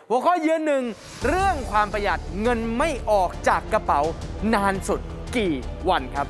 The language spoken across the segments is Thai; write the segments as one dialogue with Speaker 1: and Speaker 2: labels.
Speaker 1: หัวข้อยืนหนึ่งเรื่องความประหยัดเงินไม่ออกจากกระเป๋านานสุดกี่วันครับ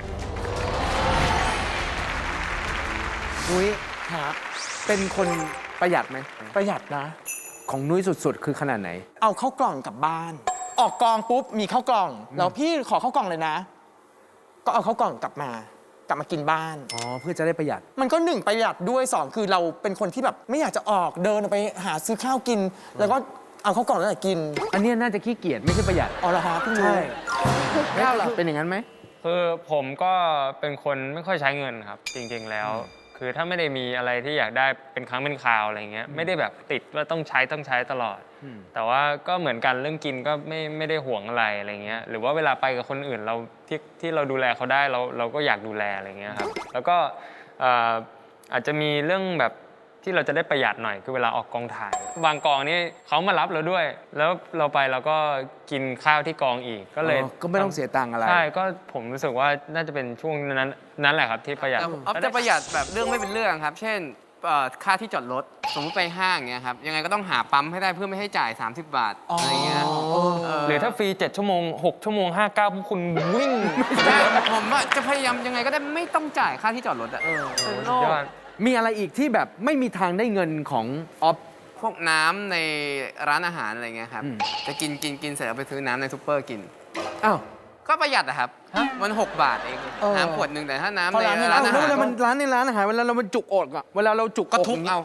Speaker 1: นุ้ย
Speaker 2: ฮะ
Speaker 1: เป็นคนประหยัดไหม
Speaker 2: ประหยัดนะ
Speaker 1: ของนุ้ยสุดๆ คือขนาดไหน
Speaker 2: เอาเข้ากล่องกลับบ้าน ออกกองปุ๊บมีเข้ากล่องแล้วพี่ขอเข้ากล่องเลยนะ ก็เอาเข้ากล่องกลับมากินบ้าน
Speaker 1: อ๋อ เพื่อจะได้ประหยัด
Speaker 2: มันก็1ประหยัดด้วย2คือเราเป็นคนที่แบบไม่อยากจะออกเดินออกไปหาซื้อข้าวกิน แล้วก็เอาเข้ากล่องแล้วกิน
Speaker 1: อันเนี้ยน่าจะขี้เกียจไม่ใช่ประหยัด
Speaker 2: อ๋อเหรอฮะพี่นุ้
Speaker 1: ใช่
Speaker 2: ย
Speaker 1: ก้าวล่ะเป็นอย่างนั้นไหม
Speaker 3: คือผมก็เป็นคนไม่ค่อยใช้เงินครับ จริงๆแล้ว คือถ้าไม่ได้มีอะไรที่อยากได้เป็นครั้งเป็นคราวอะไรเงี้ยไม่ได้แบบติดว่าต้องใช้ตลอด แต่ว่าก็เหมือนกันเรื่องกินก็ไม่ได้ห่วงอะไรเงี้ยหรือว่าเวลาไปกับคนอื่นเราที่เราดูแลเขาได้เราก็อยากดูแลอะไรเงี้ยครับแล้วก็อาจจะมีเรื่องแบบที่เราจะได้ประหยัดหน่อยคือเวลาออกกองถ่ายบางกองนี่เขามารับเราด้วย แล้วเราไปเราก็กินข้าวที่กองอีกก็เลย
Speaker 1: ก็ไม่ต้องเสียตังค์อะไร
Speaker 3: ใช่ก็ผมรู้สึกว่าน่าจะเป็นช่วงนั้นแหละครับที่ประหยัด
Speaker 4: ออฟจะประหยัดแบบเรื่องไม่เป็นเรื่องครับ เช่นค่าที่จอดรถสมมติไปห้างเงี้ยครับยังไงก็ต้องหาปั๊มให้ได้เพื่อไม่ให้จ่าย30 บาทอะไรเงี้ย
Speaker 3: หรือถ้าฟรี7 ชั่วโมง 6 ชั่วโมง 59พวกคุณวิ่ง
Speaker 4: ใช่ผมว่าจะพยายามยังไงก็ได้ไม่ต้องจ่ายค่าที่จอดรถอะ
Speaker 3: สุดยอด
Speaker 1: มีอะไรอีกที่แบบไม่มีทางได้เงินของออฟ
Speaker 4: พวกน้ำในร้านอาหารอะไรเงี้ยครับ
Speaker 1: อืม
Speaker 4: จะกินเสร็จเอาไปซื้อน้ำในซูเปอร์กิน
Speaker 1: อ้าว
Speaker 4: ก็ประหยัดอะครับมัน6 บาทเองน้ำขวดหนึ่งแต่ถ้าน้ำ
Speaker 2: เพราะ
Speaker 4: ใน
Speaker 2: ร้านใน
Speaker 4: ร้า
Speaker 1: อ้าน ว
Speaker 4: อา
Speaker 1: แล้ว
Speaker 4: หาร
Speaker 1: เวลามันร้านในร้านอาหารเวลาเรามันจุกอกอะเวลาเราจุก
Speaker 4: ก็
Speaker 1: อก
Speaker 4: ทุบเอา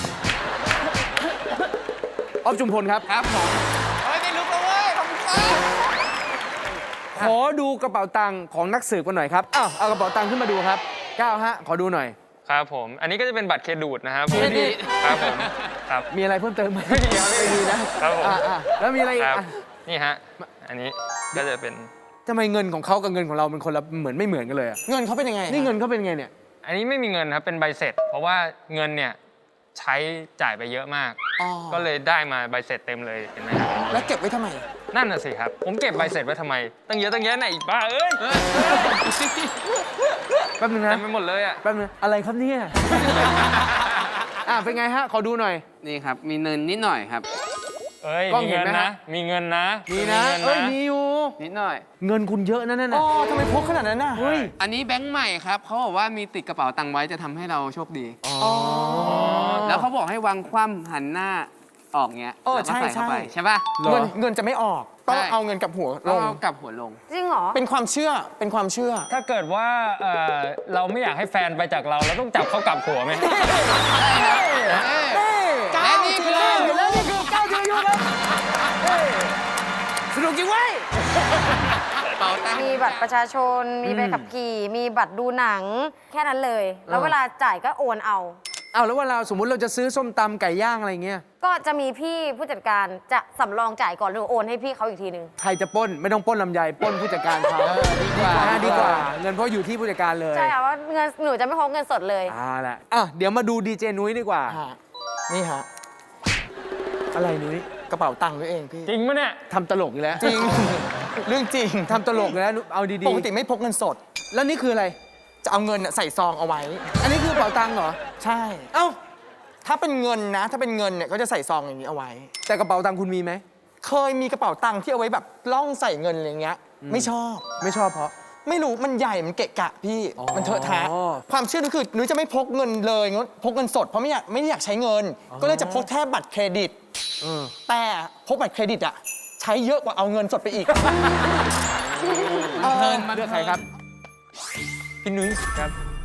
Speaker 1: ออฟจุมพลครับ
Speaker 4: ครับผมเฮ้ยได้ลุกแล้วเว้ยขอบคุณครับ
Speaker 1: ขอดูกระเป๋าตังค์ของนักสืบกันหน่อยครับอ้าวเอากระเป๋าตังค์ขึ้นมาดูครับก้าวฮะขอดูหน่อย
Speaker 3: ครับผม อันนี้ก็จะเป็นบัตรเครดิตนะครับ
Speaker 1: เครดิต
Speaker 3: ครับผมครับ
Speaker 1: มีอะไรเพิ่มเติมไหม
Speaker 3: ไม่มีครับ
Speaker 1: ไม่มีนะครับ
Speaker 3: ผม
Speaker 1: แล้วมีอะไรอี
Speaker 3: ค
Speaker 1: ก
Speaker 3: รับ
Speaker 1: อ่ะ
Speaker 3: นี่ฮะอันนี้ก็จะเป็น
Speaker 1: ทำไมเงินของเขากับเงินของเราเป็นคนละเหมือนไม่เหมือนกันเลยอะ
Speaker 2: เงินเขาเป็นยังไง
Speaker 1: นี่เงินเขาเป็นไงเนี่ย
Speaker 3: อันนี้ไม่มีเงินครับเป็นใบเสร็จ เพราะว่าเงินเนี่ยใช้จ่ายไปเยอะมาก
Speaker 2: อ๋อ
Speaker 3: ก็เลยได้มาใบเสร็จเต็มเลยเห็นไหมครับ
Speaker 2: แล้วเก็บไว้ทำไม
Speaker 3: นั่นน่ะสิครับผมเก็บใบเสร็จไว้ทำไมตั้งเยอะไหนอีกบ้าเอ้ย
Speaker 1: แป๊บนึง
Speaker 3: เต็
Speaker 1: นะ
Speaker 3: มไปหมดเลยอ่ะ
Speaker 1: แป๊บนึงอะไรครับเนี่ย เป็นไงฮะ ขอดูหน่อย
Speaker 4: นี่ครับมีเนินนิดหน่อยครับ
Speaker 3: เอ้ย
Speaker 1: กล้อง
Speaker 3: มี
Speaker 1: เห็น
Speaker 3: เงิน
Speaker 1: ไหม
Speaker 3: นะ
Speaker 1: ฮะ
Speaker 3: มีเงินนะ
Speaker 1: มีนะ
Speaker 3: เงิ
Speaker 1: เอ้ย มีอยู่
Speaker 4: นิดหน่อย
Speaker 1: เงินคุณเยอะนะนั่น
Speaker 2: อ๋
Speaker 1: น่ะ
Speaker 2: อทำไมพกขนาดนั้นน่ะ
Speaker 1: เฮ้ย
Speaker 4: อันนี้แบงค์ใหม่ครับเขาบอกว่ามีติดกระเป๋าตังค์ไว้จะทำให้เราโชคดี
Speaker 2: อ๋อ
Speaker 4: แล้วเขาบอกให้วางคว่ำหันหน้าออกเงี้ย
Speaker 2: เออ
Speaker 4: แล้วก็ใส่เข้าไป
Speaker 2: ใช่
Speaker 4: ใช่ป่ะ
Speaker 1: เหรอ
Speaker 2: เงินจะไม่ออก ต้อง
Speaker 4: ใช่
Speaker 2: เอาเงินกับหัวล
Speaker 4: ต้อง
Speaker 2: ง
Speaker 4: เอากลับหัวลง
Speaker 5: จริงเหรอ
Speaker 2: เป็นความเชื่อ เป็นความเชื่อ
Speaker 3: ถ้าเกิดว่าเราไม่อยากให้แฟนไปจากเราเราต้องจับเขากลับหัวไหม
Speaker 4: และนี่คือ
Speaker 1: แล้วนี่คือก้าวยืนอยู่ครับสนุกจริงเว้ย
Speaker 4: เป๋าตังค์
Speaker 5: มีบัตรประชาชน มีใบขับขี่ มีบัตรดูหนัง แค่นั้นเลย แล้วเวลาจ่ายก็โอนเอา
Speaker 1: เอาแล้วเวลาสมมุติเราจะซื้อส้มตำไก่ย่างอะไรเงี้ย
Speaker 5: ก็จะมีพี่ผู้จัดการจะสำรองจ่ายก่อนหรือโอนให้พี่เขาอีกทีนึง
Speaker 1: ใครจะปล้นไม่ต้องปล้นลำไยปล้นผู้จัดการเขาดีกว่า เงินเพราะอยู่ที่ผู้จัดการเลย
Speaker 5: ใช่ค่ะว่าเงินหนูจะไม่พกเงินสดเลย
Speaker 1: ละเดี๋ยวมาดูดีเจนุ้ยดีกว่า
Speaker 2: ฮะ นี่ฮะ
Speaker 1: อะไรนุ้ย
Speaker 2: กระเป๋าตังค์ด้วยเองพี่
Speaker 3: จริงปะเนี่ย
Speaker 1: ทำตลกอีกแล้ว
Speaker 2: จริง เรื่องจริง
Speaker 1: ทำตลกอีกแล้วเอาดี
Speaker 2: ปกติไม่พกเงินสด
Speaker 1: ๆแล้วนี่คืออะไร
Speaker 2: จะเอาเงินน่ะใส่ซองเอาไว้
Speaker 1: อันนี้คือเป๋าตังค์เหรอ
Speaker 2: ใช่
Speaker 1: เอ้า
Speaker 2: ถ้าเป็นเงินนะ ถ้าเป็นเงินเนี่ยก็จะใส่ซองอย่างนี้เอาไว้
Speaker 1: แต่กระเป๋าตังค์คุณมีไหม
Speaker 2: เคยมีกระเป๋าตังค์ที่เอาไว้แบบล่องใส่เงินอะไรเงี้ย ไม่ชอบ
Speaker 1: ไม่ชอบเพราะ
Speaker 2: ไม่รู้ มันใหญ่ มันเกะกะพี่
Speaker 1: อ๋อ
Speaker 2: มันเถอะทะ ความเชื่อนุ้ยคือนุ้ยจะไม่พกเงินเลยนุ้ยพกเงินสดเพราะไม่ได้อยากใช้เงิน ก็เลยจะพกแค่บัตรเครดิต แต่พกบัตรเครดิตอะใช้เยอะกว่าเอาเงินสดไปอีก
Speaker 1: เลือกใครครับ
Speaker 3: พี่นุ้ยครับ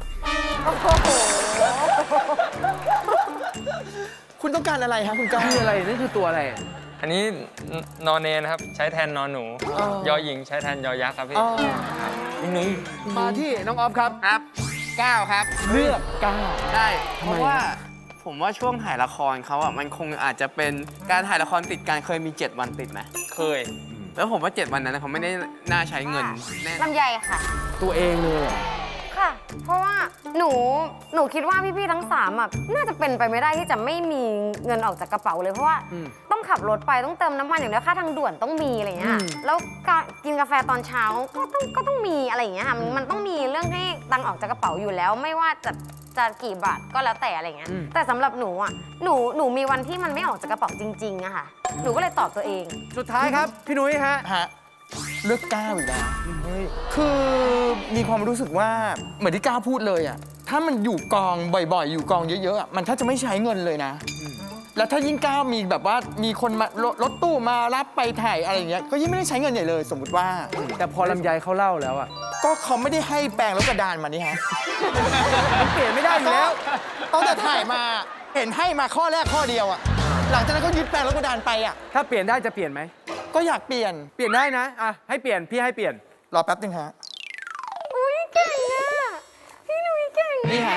Speaker 2: คุณต้องการอะไรฮะคุณก้าว
Speaker 1: คืออะไรนั่นคือตัวอะไร
Speaker 3: อันนี้นอนเนนะครับใช้แทนนอนหนู ยอหญิงใช้แทนยอยักษ์ครับพี่
Speaker 2: อ๋อ
Speaker 3: พี่นุ้ย
Speaker 1: มาที่น้องออฟครับ
Speaker 4: ครับ9ครับ
Speaker 1: เลือกก้าว
Speaker 4: ได้
Speaker 1: ทำ
Speaker 4: เพ
Speaker 1: ไม
Speaker 4: ราะว่าผมว่าช่วงถ่ายละครเขาอ่ะมันคงอาจจะเป็นการถ่ายละครติดกันเคยมี 7 วันติดไหม
Speaker 3: เคย
Speaker 4: แล้วผมว่า 7 วันนั้นนะเขาไม่ได้น่าใช้เงินแน่
Speaker 5: ลำไยค่ะ
Speaker 1: ตัวเองเลยเหรอ
Speaker 5: ค่ะ เพราะว่าหนูคิดว่าพี่ๆทั้ง3อ่ะน่าจะเป็นไปไม่ได้ที่จะไม่มีเงินออกจากกระเป๋าเลย เพราะว่าต้องขับรถไปต้องเติมน้ำมันอย่างเดียวค่าทางด่วนต้องมีอะไรเงี้ยแล้วการกินกาแฟตอนเช้าก็ต้องมีอะไรอย่างเงี้ยค่ะมันต้องมีเรื่องให้ตังค์ออกจากกระเป๋าอยู่แล้ว ไม่ว่าจะจะกี่บาทก็แล้วแต่อะไรเงี้ยแต่สำหรับหนูอ่ะหนูมีวันที่มันไม่ออกจากกระเป๋าจริงๆอะค่ะหนูก็เลยตอบตัวเอง
Speaker 1: สุดท้ายครับ พี่นุ้ยฮะ
Speaker 2: ฮะเลือกก้าวอีกแล้วคือมีความรู้สึกว่าเหมือนที่ก้าวพูดเลยอ่ะถ้ามันอยู่กองบ่อยๆ อยู่กองเยอะๆอะมันถ้าจะไม่ใช้เงินเลยนะ แล้วถ้ายิ่งก้าวมีแบบว่ามีคนมารถตู้มารับไปถ่ายอะไรอย่างเงี้ยก็ยิ่งไม่ได้ใช้เงินใหญ่เลย สมมุติว่า
Speaker 1: แต่พอลำไยเขาเล่าแล้วอะ
Speaker 2: ก็เขาไม่ได้ให้แปลงรถกระดานมานี่ฮะ
Speaker 1: มันเปลี่ยนไม่ได้อยู่แล้ว
Speaker 2: ตั้งแต่ถ่ายมาเห็นให้มาข้อแรกข้อเดียวอ่ะหลังจากนั้นก็ยึดแปลงรถกระดานไปอ่ะ
Speaker 1: ถ้าเปลี่ยนได้จะเปลี่ยนไหม
Speaker 2: ก็อยากเปลี่ยน
Speaker 1: เปลี่ยนได้นะอ่ะให้เปลี่ยนพี่ให้เปลี่ยน
Speaker 2: รอแป๊บนึงฮะ
Speaker 5: อุ้ยเก่งอะพี่หนุ่ยเก่ง
Speaker 2: นี่ฮะ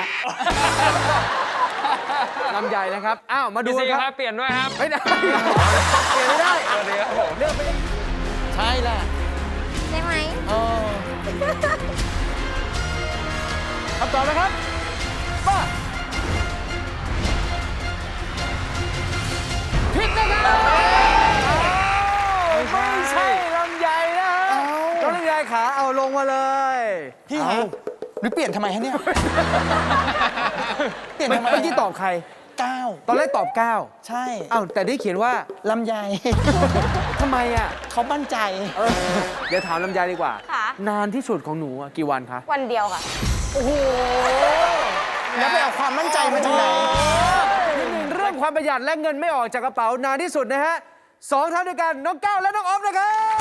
Speaker 1: ลำไยนะครับ อ้าว มาดู
Speaker 3: พี่ซี
Speaker 1: กัน
Speaker 3: ค
Speaker 1: ค
Speaker 3: รั
Speaker 1: รั
Speaker 3: บบ เปลี่ยนด้วยครับ
Speaker 1: ไม่ได้ เปลี่ยนไม่ได้
Speaker 3: สวัสดีครับผม
Speaker 1: เลือกไป
Speaker 2: ใช่แหละ
Speaker 5: ใช่ไหม
Speaker 2: เออ
Speaker 1: คำตอบนะครับป้าผิดนะครับไม่ใช่ลำไยนะฮะน้องลำไยขาเอาลงมาเลย
Speaker 2: พี่ฮะหรือเปลี่ยนทำไมฮะเนี่ย เปลี่ยนทำไม
Speaker 1: เมื่อกี้ตอบใคร
Speaker 2: ก้าว
Speaker 1: ตอนแรกตอบ9
Speaker 2: ใช่
Speaker 1: อ้าวแต่ได้เขียนว่า
Speaker 2: ลำไย
Speaker 1: ทำไมอ่ะ
Speaker 2: เขามั่นใจ
Speaker 1: เดี๋ยวถามลำไยดีกว่า
Speaker 5: ค่ะ
Speaker 1: นานที่สุดของหนูอะกี่วันคะ
Speaker 5: วันเดียวค่ะ
Speaker 2: แล้วไปเอาความมั่นใจมาจากไหน
Speaker 1: นิดนึงเรื่องความประหยัดและเงินไม่ออกจากกระเป๋านานที่สุดนะฮะ2 ท่านด้วยกันน้องก้าวและน้องออฟนะครับ